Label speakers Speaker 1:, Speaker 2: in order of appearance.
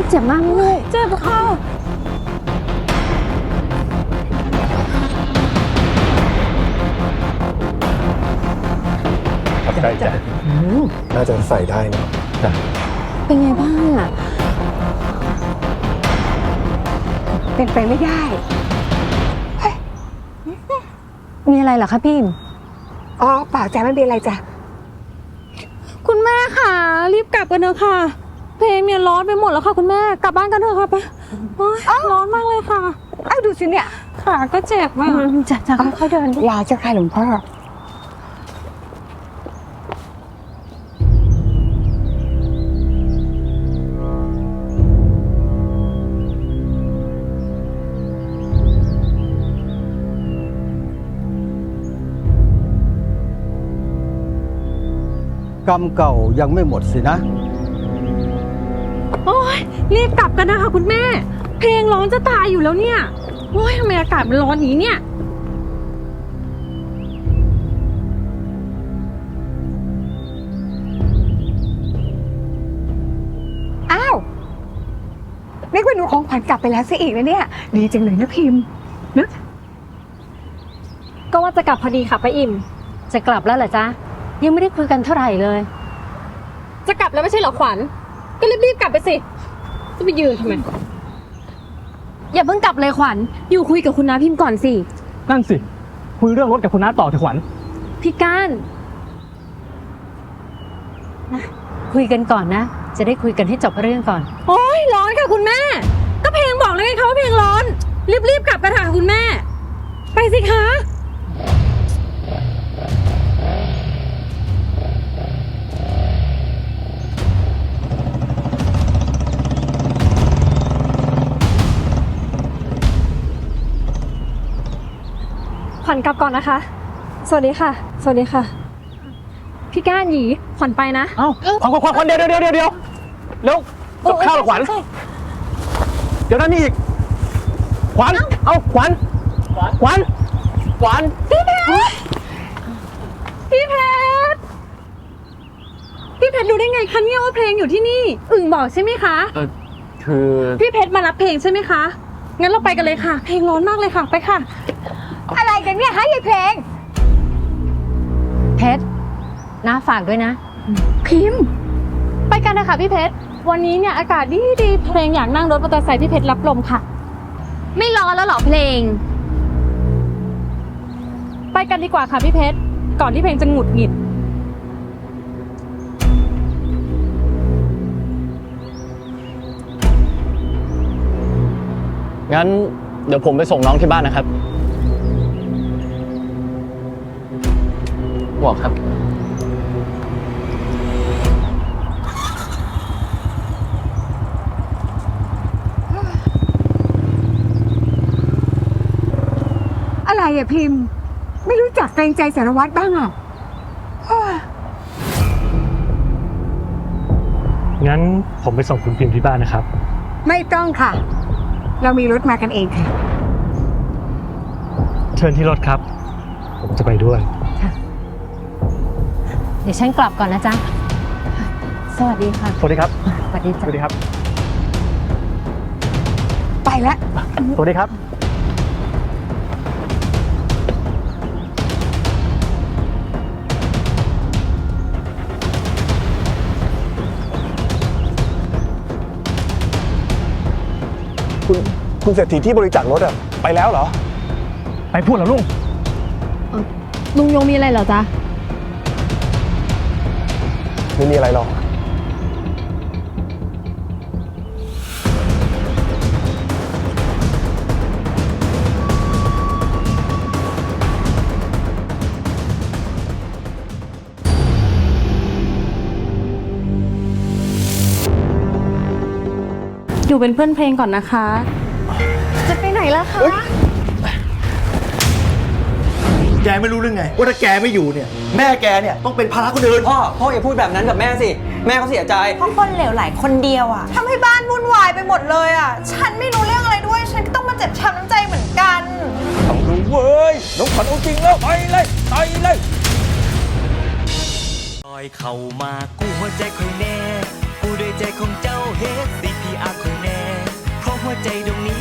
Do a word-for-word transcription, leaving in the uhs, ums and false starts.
Speaker 1: เจ็บมากเลยเจ็บค่ะ
Speaker 2: ขอบใจจ้ะน่าจะใส่ได้เนาะจ้ะ
Speaker 1: เป็นไงบ้างอ่ะ
Speaker 3: เป็นไปไม่ได้
Speaker 1: มีอะไรเหรอคะพี่
Speaker 3: อ๋อเปล่าจ้ะไม่เป็นไรจ้ะ
Speaker 1: คุณแม่ค่ะรีบกลับกันเถอะค่ะเพลงเนี่ยร้อนไปหมดแล้วค่ะคุณแม่กลับบ้านกันเถอะค่ะไปร้อนมากเลยค่ะ
Speaker 3: เอ้าดูสิเนี่ย
Speaker 1: ขาก็เจ็บอ่ะจะจะค่อยๆเดิน
Speaker 3: ลาเจ้าค่ะหลวงพ่อก
Speaker 4: รรมเก่ายังไม่หมดสินะ
Speaker 1: โอ้ยรีบกลับกันนะคะคุณแม่เพลงร้อนจะตายอยู่แล้วเนี่ยโอ้ยทำไมอากาศมันร้อนอย่างนี้เนี่ย
Speaker 3: อ้าวนึกว่าหนูของขวัญกลับไปแล้วซะอีกนะเนี่ยดีจังเลยนะพิมพ์นะ
Speaker 1: ก็ว่าจะกลับพอดีค่ะป้าอิ่มจะกลับแล้วเหรอจ๊ะยังไม่ได้คุยกันเท่าไหร่เลยจะกลับแล้วไม่ใช่เหรอขวัญก็รีบๆกลับไปสิจะไปยืนทำไมอย่าเพิ่งกลับเลยขวัญอยู่คุยกับคุณน้าพิมพ์ก่อนสิ
Speaker 5: นั่นสิคุยเรื่องรถกับคุณน้าต่อเถอะขวัญ
Speaker 1: พี่ก้านนะคุยกันก่อนนะจะได้คุยกันให้จบเรื่องก่อนโอ๊ยร้อนค่ะคุณแม่ก็เพลงบอกแล้วไงคะว่าเพลงร้อนรีบๆกลับกันค่ะคุณแม่ไปสิคะขวัญกลับก่อนนะคะสวัสดีค่ะสวัสดีค่ะพี่ก้านหยีขวัญไปนะ
Speaker 5: เอ้าขวัญขวัญขวัญเดี๋ยวเดี๋ยวเดี๋ยวเดี๋ยวแล้วกับข้าวขวัญเดี๋ยวนั่นนี่อีกขวัญเอ้าขวัญขวัญขวัญ
Speaker 1: พี่เพชรพี่เพชรพี่เพชรรู้ได้ไงคะเนี่ยว่าเพลงอยู่ที่นี่อึ่งบอกใช่ไหมคะ
Speaker 5: เออคือ
Speaker 1: พี่เพชรมารับเพลงใช่ไหมคะงั้นเราไปกันเลยค่ะเพลงร้อนมากเลยค่ะไปค่ะ
Speaker 3: อะไรกันเนี่ยฮะยายเพลง
Speaker 1: เพชรน้าฝากด้วยนะ
Speaker 3: พิมพ์
Speaker 1: ไปกันนะคะพี่เพชรวันนี้เนี่ยอากาศดีดีเพลงอยากนั่งรถมอเตอร์ไซค์พี่เพชรรับลมค่ะไม่ร้อนแล้วหรอเพลงไปกันดีกว่าค่ะพี่เพชรก่อนที่เพลงจะหงุดหงิด
Speaker 5: งั้นเดี๋ยวผมไปส่งน้องที่บ้านนะครับบอกครับ
Speaker 3: อะไรอะพิมพ์ไม่รู้จักเกรงใจสารวัตรบ้างอะ
Speaker 5: งั้นผมไปส่งคุณพิมพ์ที่บ้านนะครับ
Speaker 3: ไม่ต้องค่ะเรามีรถมากันเองค่ะ
Speaker 5: เชิญที่รถครับผมจะไปด้วย
Speaker 1: เดี๋ยวฉันกลับก่อนนะจ๊ะสวัสดีค่ะ
Speaker 5: สวัสดีครับ
Speaker 1: สวัสดีจ้ะ
Speaker 5: สวัสดีครับ
Speaker 3: ไปแล้ว
Speaker 5: สวัสดีครับ
Speaker 2: คุณคุณเศรษฐีที่บริจาครถอะไปแล้วเหรอ
Speaker 5: ไปพูดเหรอลุง
Speaker 1: ลุงยงมีอะไรเหรอจ๊ะ
Speaker 2: ไม่มีอะไรหรอก
Speaker 1: อยู่เป็นเพื่อนเพลงก่อนนะคะจะไปไหนล่ะคะ
Speaker 6: แกไม่รู้เรื่องไงว่าถ้าแกไม่อยู่เนี่ยแม่แกเนี่ยต้องเป็นภาระคนอื่น
Speaker 7: พ่อพ่ออย่าพูดแบบนั้นกับแม่สิแม่เขาเสียใจ
Speaker 8: เพราะคนเหลวไหลคนเดียวอะทำให้บ้านวุ่นวายไปหมดเลยอะฉันไม่รู้เรื่องอะไรด้วยฉันก็ต้องมาเจ็บช้ำน้ำใจเหมือนกัน
Speaker 6: ต้องรู้เว้ยน้องขวัญเอาจริงแล้วไปเลยไปเลย
Speaker 9: ลอยเข้ามากู้หัวใจคอยแน่กู้ด้วยใจของเจ้าเฮด ซี พี อาร์ คอยแน่ใจดวงนี้